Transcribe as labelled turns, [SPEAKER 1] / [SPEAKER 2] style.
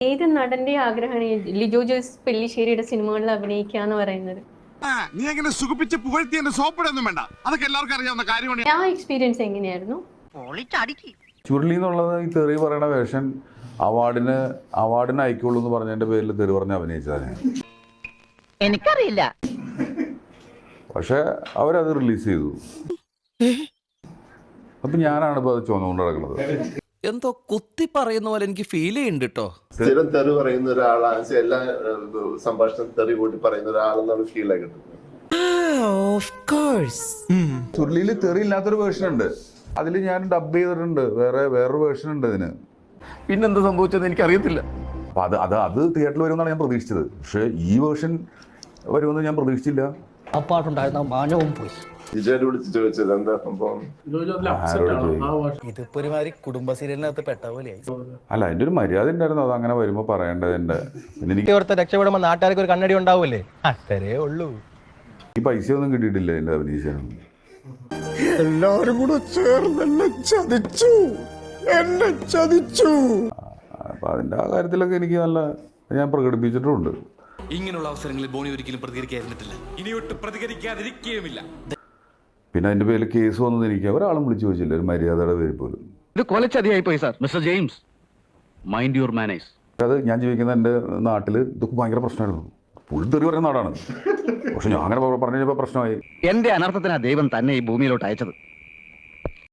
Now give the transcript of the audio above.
[SPEAKER 1] ഏത് നടന്റെ ആഗ്രഹമാണ് ലിജോ ജോസ് പെല്ലിശ്ശേരിയുടെ സിനിമകളിൽ അഭിനയിക്കുക എന്ന് പറയുന്നത്?
[SPEAKER 2] നീ അങ്ങനെ സുഖിപ്പിച്ച് പുകഴ്ത്തി എന്റെ സോപ്പിടൊന്നും വേണ്ട, അതൊക്കെ എല്ലാവർക്കും അറിയാവുന്ന കാര്യമാണ്.
[SPEAKER 1] ആ എക്സ്പീരിയൻസ് എങ്ങനെയായിരുന്നു?
[SPEAKER 3] ചുരുളി എന്നുള്ളത് ഈ തെറി പറയണ വേഷം അവാർഡിന് അയക്കുള്ളൂ എന്ന് പറഞ്ഞതിന്റെ പേരിൽ തെറി പറഞ്ഞ് അഭിനയിച്ചതാണ് ഞാൻ.
[SPEAKER 4] എനിക്കറിയില്ല.
[SPEAKER 3] പക്ഷെ അവരത് റിലീസ് ചെയ്തു. അപ്പൊ ഞാനാണ് ഇപ്പൊ അത് ചുമന്നുകൊണ്ട് നടക്കുന്നത്.
[SPEAKER 5] എന്തോ കുത്തി പറയുന്ന പോലെ എനിക്ക് ഫീൽ ചെയ്യുന്നുണ്ട് കേട്ടോ.
[SPEAKER 6] സ്ഥിരം തെറി പറയുന്ന ഒരാളാണ്, എല്ലാ സംഭാഷണം തെറി കൂട്ടി പറയുന്ന ഒരാളെന്നാണ് ഫീൽ ആയി കിട്ടുന്നത്.
[SPEAKER 3] ചുരുളിയിൽ തെറി ഇല്ലാത്തൊരു വേർഷൻ ഉണ്ട്, അതിൽ ഞാൻ ഡബ് ചെയ്തിട്ടുണ്ട്. വേറൊരു വേർഷൻ ഉണ്ട് ഇതിന്.
[SPEAKER 5] പിന്നെന്താ സംഭവിച്ചത് എനിക്ക് അറിയത്തില്ല.
[SPEAKER 3] അപ്പൊ അത് തിയേറ്ററിൽ വരുമെന്നാണ് ഞാൻ പ്രതീക്ഷിച്ചത്. പക്ഷെ ഈ വേർഷൻ വരുമെന്ന് ഞാൻ പ്രതീക്ഷിച്ചില്ല.
[SPEAKER 7] അപ്പാട്ടുണ്ടായിരുന്ന മാനവും പോയി.
[SPEAKER 6] വിജയനെ വിളിച്ച് ചോദിച്ചത് എന്താ സംഭവം?
[SPEAKER 7] ഇതിപ്പോ ഒരുമാതിരി കുടുംബ സീരിയലിനകത്ത് പെട്ട പോലെയായി.
[SPEAKER 3] അല്ല, അതിന്റെ ഒരു മര്യാദ ഉണ്ടായിരുന്നു, അത് അങ്ങനെ വരുമ്പോ പറയേണ്ടതിന്റെ. പിന്നെ എനിക്ക്
[SPEAKER 7] ഓർത്ത് രക്ഷപ്പെടുമ്പോ നാട്ടുകാർക്ക് ഒരു കണ്ണടി ഉണ്ടാവൂലേ, അത്രേ ഉള്ളൂ.
[SPEAKER 3] ഈ പൈസ ഒന്നും കിട്ടിയിട്ടില്ല എന്റെ അഭിനയിച്ചാണ്.
[SPEAKER 2] എല്ലാരും കൂടെ ചേർന്ന് എന്നെ ചതിച്ചു.
[SPEAKER 3] അപ്പൊ അതിന്റെ ആ കാര്യത്തിലൊക്കെ എനിക്ക് നല്ല ഞാൻ പ്രകടിപ്പിച്ചിട്ടുമുണ്ട്.
[SPEAKER 5] ഇങ്ങനെയുള്ള അവസരങ്ങളിൽ ബോണി ഒരിക്കലും പ്രതികരിക്കാതിരുന്നിട്ടില്ല, ഇനിയൊട്ട് പ്രതികരിക്കാതിരിക്കുകയുമില്ല.
[SPEAKER 3] പിന്നെ അതിന്റെ പേരിൽ കേസ് വന്നത് എനിക്ക് ഒരാളും വിളിച്ചു ചോദിച്ചില്ല, ഒരു മര്യാദയുടെ പേര് പോലും.
[SPEAKER 8] ഇത് കൊലച്ചതിയായി പോയി sir. Mister James, mind your manners.
[SPEAKER 3] അത് ഞാൻ ജീവിക്കുന്ന എൻ്റെ നാട്ടിൽ ഇതൊക്കെ ഭയങ്കര പ്രശ്നമായിരുന്നു. ഫുൾ തെറി പറയുന്ന നാടാണ്. പക്ഷെ ഞാൻ അങ്ങനെ പറഞ്ഞു കഴിഞ്ഞപ്പോൾ പ്രശ്നമായി.
[SPEAKER 8] എന്റെ അനർത്ഥത്തിനാ ദൈവം തന്നെ ഈ ഭൂമിയിലോട്ട് അയച്ചത്.